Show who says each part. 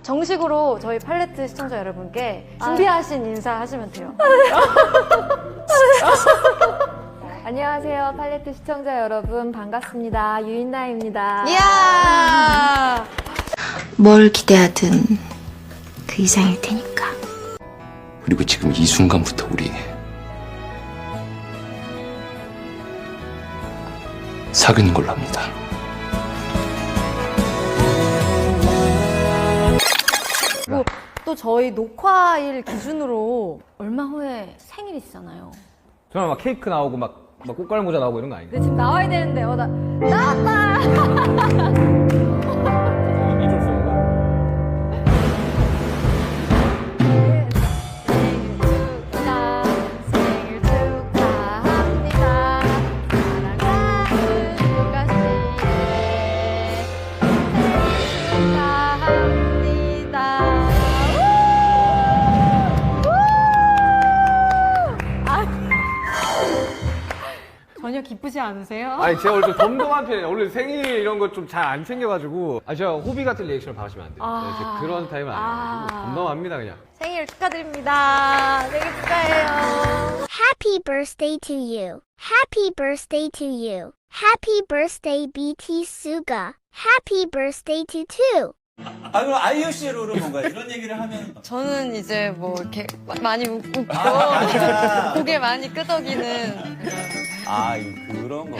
Speaker 1: 정식으로 저희 팔레트 시청자 여러분께 준비하신 인사 하시면 돼요.
Speaker 2: 안녕하세요, 팔레트 시청자 여러분. 반갑습니다. 유인나입니다.
Speaker 1: 이야!
Speaker 3: 뭘 기대하든 그 이상일 테니까.
Speaker 4: 그리고 지금 이 순간부터 우리 사귀는 걸로 합니다.
Speaker 1: 그리고 또 저희 녹화일 기준으로 얼마 후에 생일이시잖아요.
Speaker 5: 저는 막 케이크 나오고 막 꽃갈 모자 나오고 이런 거 아닌가요?
Speaker 1: 근데 지금 나와야 되는데, 나왔다!
Speaker 5: 이쪽 소리가?
Speaker 1: 생일 축하합니다. 사랑하는 유가씨. 생일 축하합니다. 전혀 기쁘지 않으세요?
Speaker 5: 아니 제가 원래 좀 덤덤한 편이에요. 원래 생일 이런 거 좀 잘 안 챙겨가지고 제가 호비 같은 리액션을 받으시면 안 돼요. 네, 제가 그런 타입은 아니에요. 덤덤합니다 그냥.
Speaker 1: 생일 축하드립니다. 생일 축하해요.
Speaker 6: Happy birthday to you. Happy birthday to you. Happy birthday BT Suga. Happy birthday to two.
Speaker 7: 아, 그럼 아이유 씨의 롤은 뭔가요? 이런 얘기를 하면.
Speaker 1: 저는 이제 뭐 이렇게 많이 웃고
Speaker 7: 아,
Speaker 1: 고개 많이 끄덕이는
Speaker 7: 아, 그런 거.